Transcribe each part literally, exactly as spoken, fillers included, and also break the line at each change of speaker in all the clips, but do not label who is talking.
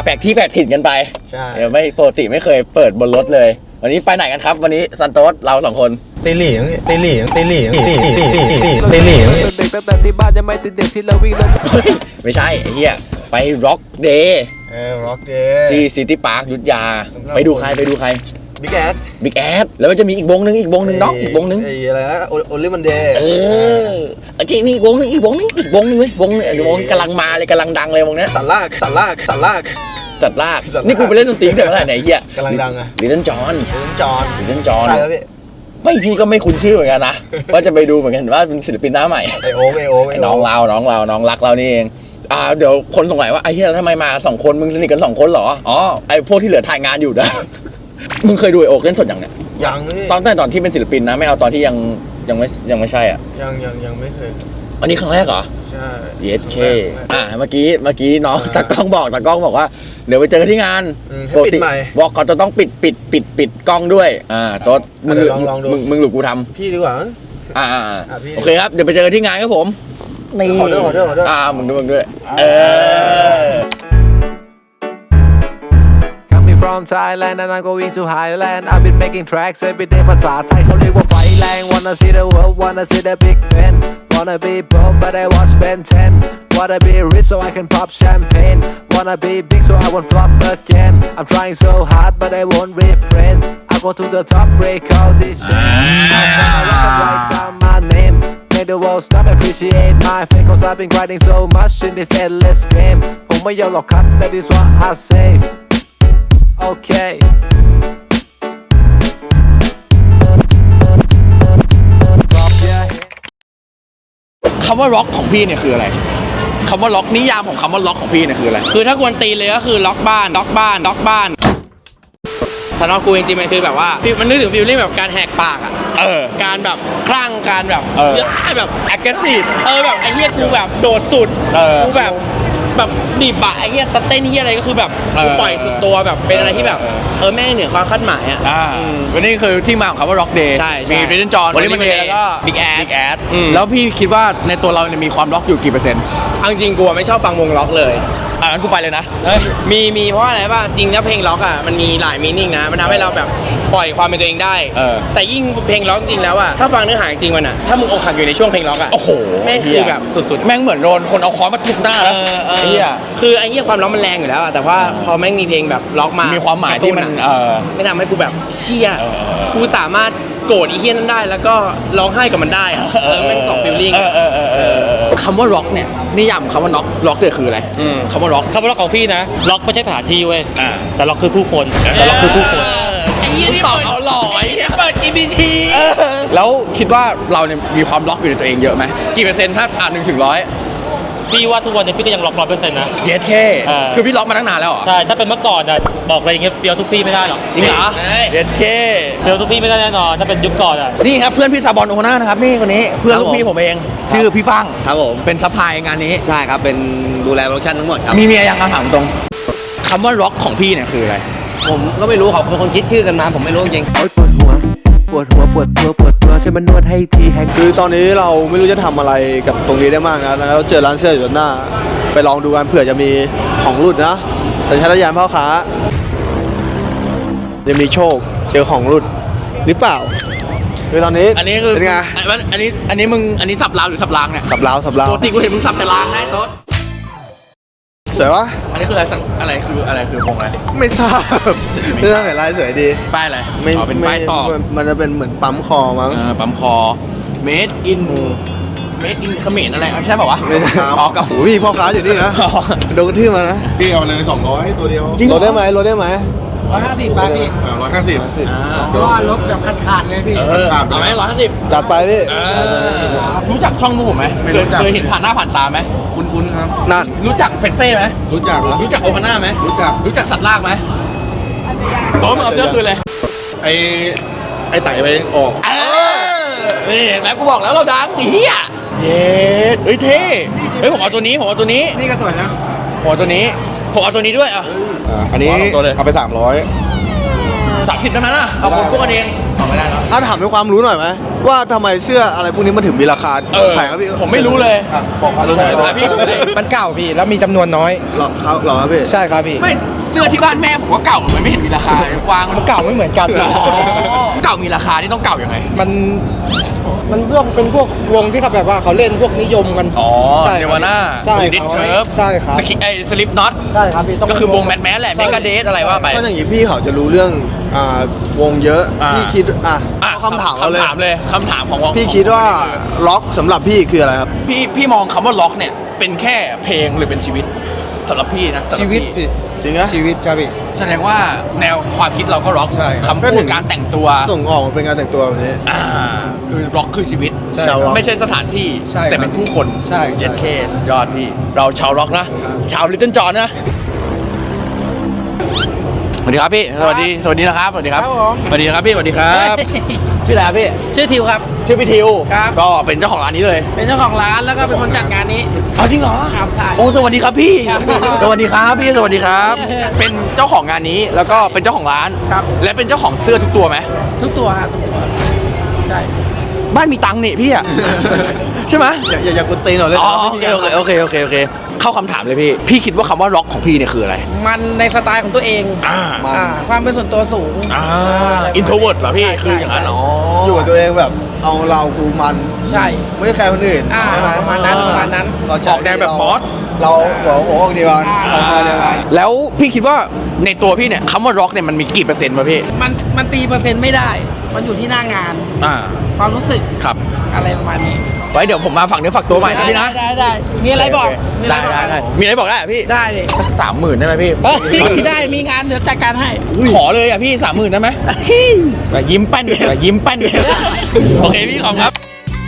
แปลกที่แปลกถิ่นกันไปใช่ไม่ปกติไม่เคยเปิดบนรถเลยวันนี้ไปไหนกันครับวันนี้ซันโต๊ดเราสองคน
ตีหลี่ตีหลี่ตีหลี่ตีหลี่ตีหลี่
เด็กตั้งแต่ที่บ้านยังไม่ติดเด็กที่เราวิ่งเล่น
ไม่ใช่ไอ้เหี้ยไปร็อกเดย์
เออร็อกเดย์
ที่ซิตี้พาร์คยุทธยาไปดูใครไปดูใคร
บิ๊กแอด
บิ๊กแอดแล้วมันจะมีอีกวงนึงอีกวงนึงน็อกอีกวงนึง
ไอ้อะไรนะโอลิมันเดย์
เออจริงมีอีกวงนึงอีกวงนึงอีกวงนึงเลยวงเนี่ยวงกำลังมาเลยกำลังดังเลยวงเนี้ย
สันลากสันลากสันลาก
จัดลากนี่กูไปเล่นดนตรีแต่เมื่อไหร่ไหนเหี้ย
กำลังดังอะ
ลิตเติ้ลจอห์น
ลิตเติ้ลจอห์น
ลิตเติ้ลจอห์น
ใช่ครับพี่
ไม่พี่ก็ไม่คุ้นชื่อเหมือนกันนะว่าจะไปดูเหมือนกันว่าเป็นศิลปินหน้าใหม่
ไอโอ๊คไอโอ๊คไอ
น้องเราน้องเราน้องรักเรานี่เองอ่าเดี๋ยวคนสงสัยว่าไอ้เหี้ยทำไมมาสองคนมึงสนิทกันสองคนเหรออ๋อไอ้พวกที่เหลือถ่ายงานอยู่นะมึงเคยดูไอโอ๊คเล่นสดอย่างเนี้ย
ยัง
ตอนแต่ตอนที่เป็นศิลปินนะไม่เอาตอนที่ยังยังไม่ยังไม่ใช่อ่ะ
ยังยังยังไม่เคย
อันนี้ครั้งแรกเหรอ
ใช่
เยสเคอ่าเมื่อกี้เมื่อกี้น้องตากล้องบอกตากล้องบอกว่าเดี๋ยวไปเจอกันที่งาน
ปกติ
บอกเขาจะต้องปิดปิดปิดปิดกล้องด้วยอ่าโต๊ดมึงมึงมึงหรือกูทำ
พี่ดีกว่า
อ่าโอเคครับเดี๋ยวไปเจอกันที่งานครับผม
นี่ขอด้วยขอด้วยขอด้วย
อ่ามึงด้วยมึงด้วยเออ
From Thailand and I'm going to Highland I've been making tracks every day ภาษาไทยเขาเรียกว่าไฟแรง Wanna see the world wanna see the big Ben Wanna be broke but I watch Ben ten Wanna be rich so I can pop champagne Wanna be big so I won't flop again I'm trying so hard but I won't refrain I go to the top break all this shit I'm gonna write down my name Make the world stop appreciate my fame Cause I've been grinding so much in this endless game ผมไม่ยอมหรอกครับ That is what I sayโอเค
คำว่าล็อกของพี่เนี่ยคืออะไรคำว่าล็อกนิยามของคำว่าล็อกของพี่เนี่ยคืออะไร
คือถ้ากวนตีเลยก็คือล็อกบ้านล็อกบ้านล็อกบ้านสำหรับกูจริงๆมันคือแบบว่ามันนึกถึงฟีลลิ่งแบบการแหกปากอ่ะ
เออ
การแบบคลั่งการแบบ
เยอะ
แบบ
aggressive
เออแบบไอ้เหี้ยกูแบบโดดสุดกูแบบแบบดิบอะไอ้เหี้ยตะเต้นเหี้ยอะไรก็คือแบบกูปล่อยสุดตัวแบบเป็นอะไรที่แบบเออแม่งเหนือความคาดหมายอ่ะ
วันนี้คือที่มาของคำว่า Rock Day มีริทเทิลจอห์นวันนี้มันเดย์แล้วก็
Big Ass
Big Ass แล้วพี่คิดว่าในตัวเราเนี่ยมีความล็อกอยู่กี่เปอร์เซ็นต์
เอาจริงกูไม่ชอบฟังวงล็อกเลย
อ่ะงั้นกูไปเลยนะ
มีมีเพราะอะไรป่ะจริงแล้วเพลงล็อกอ่ะมันมีหลายมีนิ่งนะมันทำให้เราแบบปล่อยความเป็นตัวเองได้แต่ยิ่งเพลงล็อกจริงแล้วอ่ะถ้าฟังเนื้อหาจริงมันอ่ะถ้ามึงอกหักอยู่ในช่วงเพลงล็อกอ่ะ
โอ้โห
แม่งคือแบบสุดๆ
แม่งเหมือนโดนคนเอาค้อนมาทุบหน้าแล้ว
ไอ้เหี้ยคือไอ้เหี้ยความล็อกมันแรงอยู่แล้วแต่ว่าพอแม่งมีเพลงแบบล็อกมา
มีความหมายที่มัน
ไม่ทำให้กูแบบเชี่ยกูสามารถโกรธอีเหี้ยนั้นได้แล้วก็ร้องไห้กับมันได้เออแม่งสองฟีลลิ่ง
คำว่าล็อกเนี่ยนิยามคำว่าล็อกล็อกเนี่ยคืออะไรคำว่าล็อก
คำว่าล็อกของพี่นะล็อกไม่ใช่สถานที่เว้ยแต่ล็อกคือผู้คนแต่ล็อกคือผู้คน
ไอ้เหี้ยนี่ตอบเอาหล่อไอ้เหี้ยเปิด จี บี ที
แล้วคิดว่าเราเนี่ยมีความล็อกอยู่ในตัวเองเยอะไหมกี่เปอร์เซ็นต์ถ้าอ่านหนึ่งถึงร้อย
พี่ว่าทุกวันนี้พี่ก็ยังล็อกร้อยเปอร์เซ็นต์นะ
เยสเคคือพี่ล็อกมาตั้งนานแล้วเหรอ
ใช่ถ้าเป็นเมื่อก่อนนะบอกอะไรอย่างเงี้ยเปียวทุกพี่ไม่ได้หรอก
จริงเหรอเยสเค
เปียวทุกพี่ไม่ได้แน่นอนถ้าเป็นยุคก่อนอ่ะ
นี่ครับเพื่อนพี่ซาบอนโอน่านะครับนี่คนนี้เพื่อนลูกพี่ผมเองชื่อพี่ฟัง
ครับผม
เป็นซัพพลายงานนี้
ใช่ครับเป็นดูแลโปรดักชั่นทั้งหมดครับ
มีเมียยังถามตรงคำว่าล็อกของพี่เนี่ยคืออะไร
ผมก็ไม่รู้เขาเป็นคนคิดชื่อกันมาผมไม่รู้จริง
ปวดหัวปวดหัวปวดตัวปวดตัวช่วยมันนวดให้ทีแฮง
คือตอนนี้เราไม่รู้จะทำอะไรกับตรงนี้ได้มากนะแล้วเราเจอร้านเสื้ออยู่ด้านหน้าไปลองดูกันเผื่อจะมีของหลุดนะแต่ใช้ระยานพ่อค้าจะมีโชคเจอของหลุดหรือเปล่าคือตอนนี้
อันนี้คือ
เป็นไง
อันนี้อันนี้มึงอันนี้สับลาวหรือสับลางเนี่ย
สับลาวสับลาว
ปกติกูเห็นมึงสับแต่ลางได้โต๊ด
สวยวะ
อันนี้คืออะไรอะไรคืออะไรคือวงอะไร
ไม่ทราบไม่ทราบเห็นลายสวยดี
ป้ายอะไร
ไม่เป็นป้ายต่อมันจะเป็นเหมือนปั๊มคอมั้ง
ปั๊มคอ made in made in เขมรอะไรใช่ป่าววะ
อ๋อกับหูพี่พ่อค้าอยู่นี่นะโดนกระทืบมานะ
พี่เอาเลยสองร้อยตัวเดียว
ลดได้ไหมลดได้ไหม
ร้อยห้าสิบบาทพี่
ร้อยห้าสิบ
เพราะว่ารถแบบขาดๆเลยพี่ขาดเอาไหมร้อยห้าสิบ
จัดไปพี่
รู้จักช่องผมไหมเคยเห็นผ่านหน้าผ่านตาไหม
คุ้นๆครับ
นั่น
รู้จักเฟสเฟ่ไหม
รู้จัก
รู้จักโอฮาน่าไหม
รู้จัก
รู้จักสัตว์ลากไหมโต๊ะมึงเอาเสื้อคืนเลย
ไอ้ไอ้ไต่ไปออก
นี่แม่กูบอกแล้วเราดังเฮียเย้เฮ้ยเท่เฮ้ยผมเอาตัวนี้ผมเอาตัวนี้
นี่ก็สวยนะ
ผมเอาตัวนี้ผมเอาตัวนี้ด้วยอ่ะ
อันนี้เอาไปสามร้อย
สามสิบได้ไหมล่ะเอาคนพวกกันเองเอาไม่ได้แล้ว
ถ้าถามด้วยความรู้หน่อยไหมว่าทำไมเสื้ออะไรพวกนี้มันถึงมีราคาแพงครับพี่
ผมไม่รู้เลย
บอกมาดูหน่อย
พี่
มันเก่าพี่แล้วมีจำนวนน้อย
หรอครับหรอครับพี่
ใช่ครับพี่
ไม่เสื้อที่บ้านแม่ผมก็เก่ามันไม่เห็นมีราคาวางมันเก่าไม่เหมือนกันเก่ามีราคานี่ต้องเก่ายังไง
มันมันพวกเป็นพวกวงที่เขาแบบว่าเขาเล่นพวกนิยมกัน
อ๋อ
ใช่
เนวาน่า
ใช่
ดิ
ค
ส
รับ
เทิร์ฟ
ใช่ครับ
สกิไอสลิปน็อต
ใช่ครับพี่ต้อง
ก็คือวงแมทแมสแหละเมกาเดสอะไรว่าไป
ก็อย่างนี้พี่เขาจะรู้เรื่องอ่าวงเยอะ
อ่า
พี่คิดอ่ะ
อ่ะ
คำถามเราเลย
คำถามเลยคำถามของวง
พี่คิดว่าล็อกสำหรับพี่คืออะไรครับ
พี่พี่มองคำว่าล็อกเนี่ยเป็นแค่เพลงหรือเป็นชีวิตสำหรับพี่นะสำหรับพี่
จริงนะชีวิตครับพี่
แสดงว่าแนวความคิดเราก็ร็อก
ใช่
คำ
ก็
พู
ถึ
ด
ง
การแต่งตัว
ส่งออกมาเป็นการแต่งตัวแบบนี้
อ่าคือร็อกคือชีวิต
ใช่ชาวร็อก
ไม่ใช่สถานที่
ใช่
แต่เป็นผู้คน
ใช่ใช่
เจ็ดเคสยอดพี่เราชาวร็อกนะ ชาวลิตเติ้ลจอห์นนะสวัสดีครับพี่สวัสดีสวัสดีนะครับสวัสดีครับ
ครับผม
สวัสดีนะครับพี่สวัสดีครับชื่ออะไรครับพี่
ชื่อทิวครับ
ชื่อพี่ทิว
ครับ
ก็เป็นเจ้าของร้านนี้เลย
เป็นเจ้าของร้านแล้วก็เป็นคนจัดงานนี้
เอาจริงเหรอ
ครับใช่
โอ้สวัสดีครับพี่
ครับ
สวัสดีครับพี่สวัสดีครับ เป็นเจ้าของงานนี้แล้วก็เป็นเจ้าของร้าน
ครับ
และเป็นเจ้าของเสื้อทุกตัวไหม
ทุกตัวครับทุกตัวใช่
บ้านมีตังค์นี่พี่อะ ใช่ไหม
อย่าอย่าอย่ากดตีนหน่อยเลย
อ๋อโอเคโอเคโอเคโอเคโอเคเข้าคำถามเลยพี่ พี่คิดว่าคำว่าร็อกของพี่เนี่ยคืออะไร
มันในสไตล์ของตัวเอง
อ่า
อ่าความเป็นส่วนตัวสูง
อ่าอินโทรเวิร์ดเหรอพี่ คืออย่างนั้นเหรอ
อยู่กับตัวเองแบบเอาเรากูมัน
ใช่
ไม่ใช่ใครคนอื่น
อ่า
ใช่ไหม
ประมาณนั้นประมาณนั้น
เร
ออกแนวแบบมอส
เราหัวหัวอกเดียวกัน
อ่า
เราคอเดียวกัน
แล้วพี่คิดว่าในตัวพี่เนี่ยคำว่าร็อกเนี่ยมันมีกี่เปอร์เซ็นต์วะพี่
มันมันตีเปอร์เซ็นต์ไม่ได้ มันอยู่ที่หน้างาน
อ่า
ความรู้สึก
ครับ
อะไรประมาณนี้
ไว้เดี๋ยวผมมาฝั่งเนื้อฝักตัวใหม่นะพี่นะ
ได้ได้มีอะไรบอกมีอะ
ได้
รบอก
ได้ได้มีอะไรบอกได้อะพี่
ได้เลย
สักสามหมื่นได้ไหมพี่
เฮ้ยได้มีงานเดี๋ยวจัดการให้
ขอเลยอ่ะพี่สามหมื่นได้ไหมแบบยิ้มแป้นแบบยิ้มแป้นโอเคพี่ขอบคุณครับ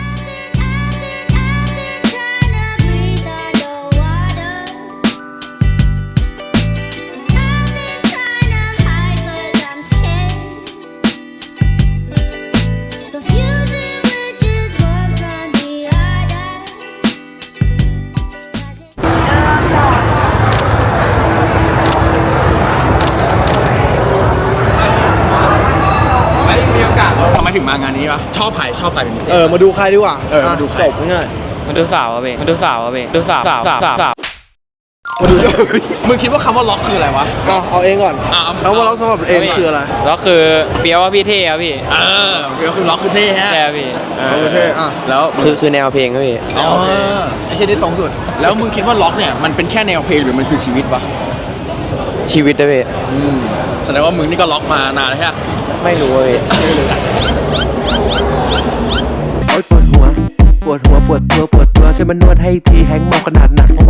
ไม่มีโอกาสทำไมถึงมางานนี้วะชอบใครชอบใครเป็นพิเศษ
เออมาดูใครดีกว่า
เออมาดูใคร
จบง่าย
มาดูสาวอะเบมาดูสาวอะเบดูสาวสาวสาวสาว
ๆมาดู
มึงคิดว่าคำว่าล็อกคืออะไรวะ
เอาเอาเองก่อน
อ่ะเอา
คำว่าล็อกสำหรับเองคืออะไร
แล้วคือเฟี้ยวว่าพี่เท่อะพี่
เออก็คือล็อกคือเท่ฮะ
ใช่พี่
เอ
โอ
อ
เคอ่ะ
แล้ว
คือคือแนวเพลงครับพี่
อ๋อ
ไอ้ที่นี่ตรงสุด
แล้วมึงคิดว่าล็อกเนี่ยมันเป็นแค่แนวเพลงหรือมันคือชีวิตวะ
ชีวิตนะพี่
แสดงว่ามึงนี่ก็ล็อกมานานแล้วใช่ไหม
ไม่รู้อะพี่
โอ๊ยปวดหัว ปวดหัว ปวดตัว ปวดตัวช่วยมันนวดให้ทีแฮงก์เมาขนาดหนัก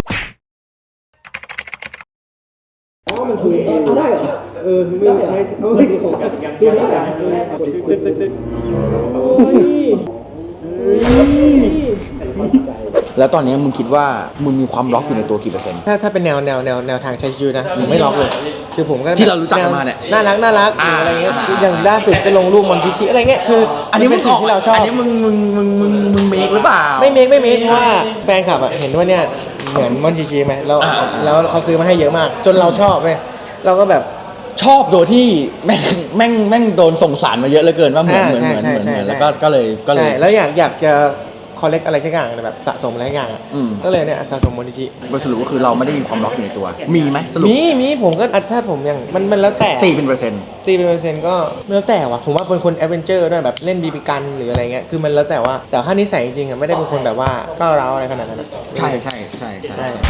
แล้วตอนนี้มึงคิดว่ามึงมีความล็อกอยู่ในตัวกี่เปอร์เซ็นต์
ถ้าถ้าเป็นแนวแนวแนวแนวทางใช้ชีวิตนะผมไม่ล็อกเลย คือผมก็
ที่เรารู้จักกันมาเนี่ย
น่ารักน่ารัก
อ่า
อะไรเงี้ยคืออย่างล่าสุดก็ลงรูปมอนชิชิอะไรเงี้ยคือ
อันนี้
เป็
มึ
น
ง
สิ่งที่เราชอบ
อันนี้มึงมึงมึงมึงมึงเมคหรือเปล่า
ไม่เมคไม่เมคเพราะว่าแฟนคลับอะเห็นว่าเนี่ยเหมือนมอนชิชิไหมแล้ว
อ่า
แล้วเขาซื้อมาให้เยอะมาก จนเราชอบเลยเราก็แบบ
ชอบโดยที่แม่งแม่งแม่งโดนส่งสารมาเยอะเหลือเกินว่าเหมือน
อ่า
เหมือนเหมือน
ใช่
เหมือน
ใช่
เหมือน
ใช่
แล้วก็ก็เลยก็เลย
ใช่แล้วอยากอยากจะคอลเลกอะไรสักอย่างแบบสะสมอะไรสักอย่างอะ
อืม
ก็เลยเนี่ยสะสมมอนชิชิ
บทสรุปก็คือเราไม่ได้มีความล็อกอยู่ในตัว มีไหมสรุป
มีมีผมก็อ่ะถ้าผมยังมันมันแล้วแต่
ตีเป็นเปอร์เซ็นต์
ตีเป็นเปอร์เซ็นต์ก็แล้วแต่ว่ะผมว่าเป็นคนแอดเวนเจอร์ด้วยแบบเล่นบีบีกันหรืออะไรเงี้ยคือมันแล้วแต่ว่าแต่ถ้านิสัยจริงๆอ่ะไม่ได้เป็นคนแบบว่าก้าวร้าวอะไรขนาดนั้นอะ
ใช่ใช่ใช่ใช่
ใช่
ใช่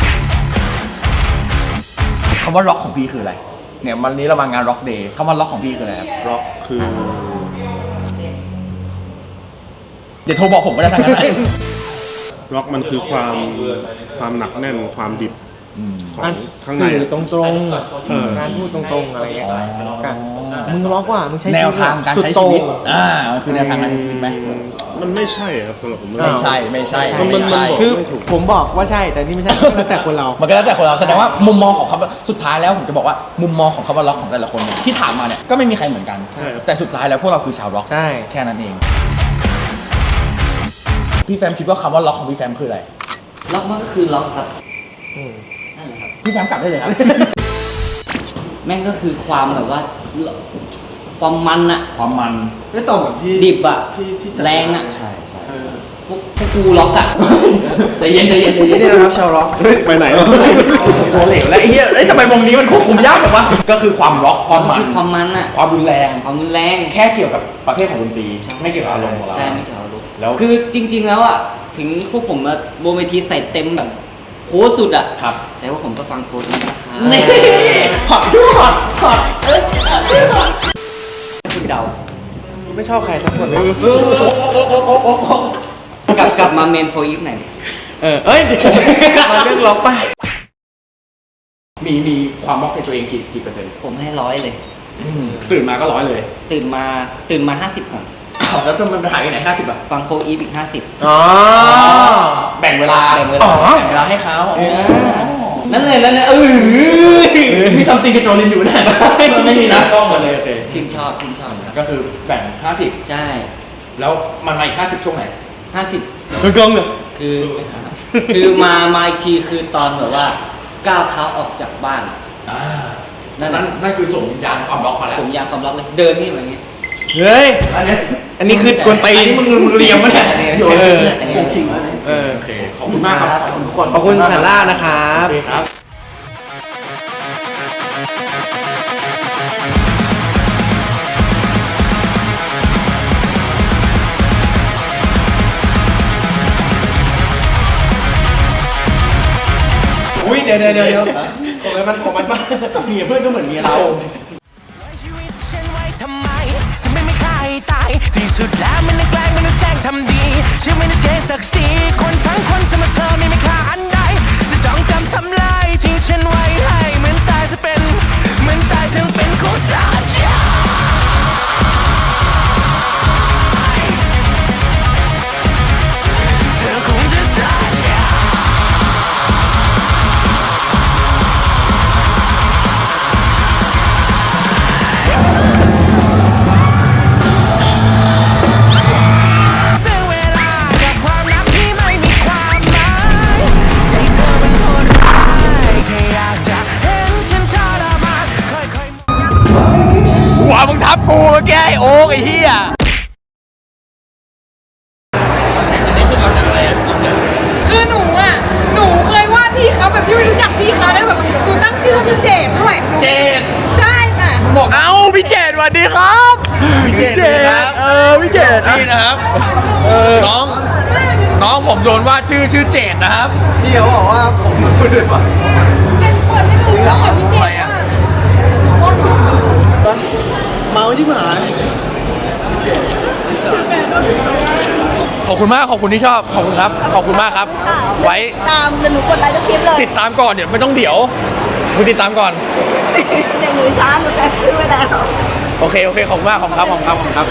คำว่าล็อกของพี่คืออะไรเนี่ยวันนี้เรามางานล็อกเดย์คำว่าล็อกของพี่คืออะไรครับ
ร็อกคือ
เดี๋ยวโทรบอกผมก็ได้ทางนั้นนะ
ร็อกมันคือความความหนักแน่นความดิบของ
การ
ข้างใน
สื่อ
อะ
ตรง
เออ
ๆการพูดตรงๆอะไรเงี้ยกันมึงล็อกว่ามึงใช้
แน
ชี
ว
วิต
ทางการ
สุด
ใช้
โต่
ชีวิต
ง
อ่ามันคือแนวทางการใช้ชีวิตไหม
มันไม่ใช่ครับสำหรับผม
ไม่ใช่ไม่ใช่
มันมัน
ไม่ใช่
มัน
คือ
ไม่ถูก
ผมบอกว่าใช่แต่นี่ไม่ใช่แล้วแต่คนเรา
มันก็แล้วแต่คนเราแสดงว่ามุมมองของคำว่าสุดท้ายแล้วผมจะบอกว่ามุมมองของคำว่าล็อกของแต่ละคนเนี่ยที่ถามมาเนี่ยก็ไม่มีใครเหมือนกัน
ใช่ครับ
แต่สุดท้ายแล้วพวกเราคือชาวล็อก
ใช่
แค่นั้นเอง พี่แฟมคิดว่าคำว่าล็อกของพี่แฟมคืออะไร
ล็อกมันก็คือล็อกครับ
อืม
นั่นแหละครับ
พี่แฟมกลับได้เลยครับ
แม่งก็คือความแบบว่า ความมันอะ
ความมัน
ไม่ตรงกับพี่
ดิบอะ
ที่ที่จะ
แรงอะ
ใช่ใช่
เออ
พวกพวกกูล็อกอะ
ใจเย็นใจเย็นใจเย็น
นี่นะครับชาวร็อก
เฮ้ย ไปไหนวะ
ตัวเหลวแล้วไอ้เหี้ยเอ้ยทำไมวงนี้มันควบคุมยากแบบวะก็คือความร็อกความมัน
คือความมันอะ
ความรุนแรง
ความรุนแรง
แค่เกี่ยวกับประเภทของดนตรีไม่เกี่ยวกับอารมณ์ของเรา
ใช่ไม่เกี่ยวกับลูก
แล้ว
คือจริง ๆ แล้วอะถึงพวกผมมาบนเวทีใส่เต็มแบบโค้ชสุดอะ
ครับ
แต่ว่าผมก็ฟังโค้ชนะครับ
นี่ขอดชื่อขอดขอดเออ
คุณเดา
ไม่ชอบใครสักคนเลย
กลับกลับมาเมนโฟอีฟหน่อย
เออเอ้ยมาเรื่องล็อกป่ะ
มีมีความร็อกในตัวเองกี่กี่เปอร์เซ็นต์
ผมให้ร้อยเลย
ตื่นมาก็ร้อยเลย
ตื่นมาตื่นมาห้าสิบก่อน
อ้าวแล้วมันหายไปไหนห้าสิบอ่ะ
ฟังโฟอีฟอีกห้าสิบ
อ๋อแบ่งเวลา
แบ่งเวลา
อ๋อแบ่งเวลาให้เขา
นั่นเลยนั่นเลยเออ
มีทำตีกับโจลินอยู่เนี่ยมันไม่มีนะกล้องหมดเลยโอเค
ทีมชอบทีมชอบครับ
ก็คือแบ่งห้าสิบ
ใช่
แล้วมันมาอีกห้าสิบช่วงไหน
ห้าสิบ
มึงกงเหรอ
คือ คือมามาอีกทีคือตอนแบบว่าก้าวเท้าออกจากบ้าน
อ่า
นั่
นั่น
น
นั่นนั่นคือส่งวิญญาณความร็อกมาแล้ว
ผมยางความล็อกเลยเดินนี่แบบนี้
เฮ้ย
อันนี้
อันนี้คือกวนตี
อัน
น
นี้มึงมึงเรียมมั้ยเนี่ยโยน
เออ
อันนี้
โคคิงแล้วเนี่ยเออ
โอเคขอบคุณมากครับขอบคุณทุกคน
ขอบคุณซาร่านะครับ
โอเคครับ
อุ้ยเดี๋ยวเดี๋ยวเดี๋ยวของอะไรมันของมันป่ะ
เมียเพื่อนก็เหมือนเมียเรา
ชีวิตฉันไว้ทำไมทำไมไม่ฆ่าให้ตาย ที่สุดแล้วมันแกล้งมันแสร้งทำดีฉันไม่ได้เสียศักดิ์ศรีคนทั้งคนจะมาเธอไม่ไม่ค่าอันใดแต่จ้องจำทำลายทิ้งฉันไว้ให้เหมือนตายจะเป็นเหมือนตายทั้งเป็นของสาใจเธอคงจะสาใจ เวลากับความรักที่ไม่มีความหมายใจเธอมันโหดร้ายแค่อยากจะเห็นฉันทรมานค่อยๆ
หัวมึงทับกูเมื่อกี้ไอ้โอ๊กไอ้เหี้ย
คือหนูอ่ะ หนูเคยวาดพี่เขาแบบที่ไม่รู้จักพี่เขาได้แบบหนูตั้งชื่อคือเจดด้วย
เจด
ใช่ค่ะ
บอกเอ้าพี่เจดสวัสดีครับพี่เจดครับเออพี่เจดนี่นะครับน้องน้องผมโดนว่าชื่อชื่อเจดนะครับ
พี่เขาบอกว่าผมเหมือนคนอื่นป่ะ
เป็นเปิดให้ดูเลยพี่เจดว่า
เมาที่หาย
ขอบคุณมากขอบคุณที่ชอบขอบคุณครับขอบคุณมากครับ ไว้
ตามเดี๋ยวหนูกดไลค์ทุกคลิปเลย
ติดตามก่อนเดี๋ยวไม่ต้องเดี๋ยวมึงติดตามก่อน
เดี๋ยวหนูช้าหนูแคปชื่อไว้แล้ว
โอเคโอเคขอบคุณมากขอบคุณครับขอบคุณครับขอบคุณครับ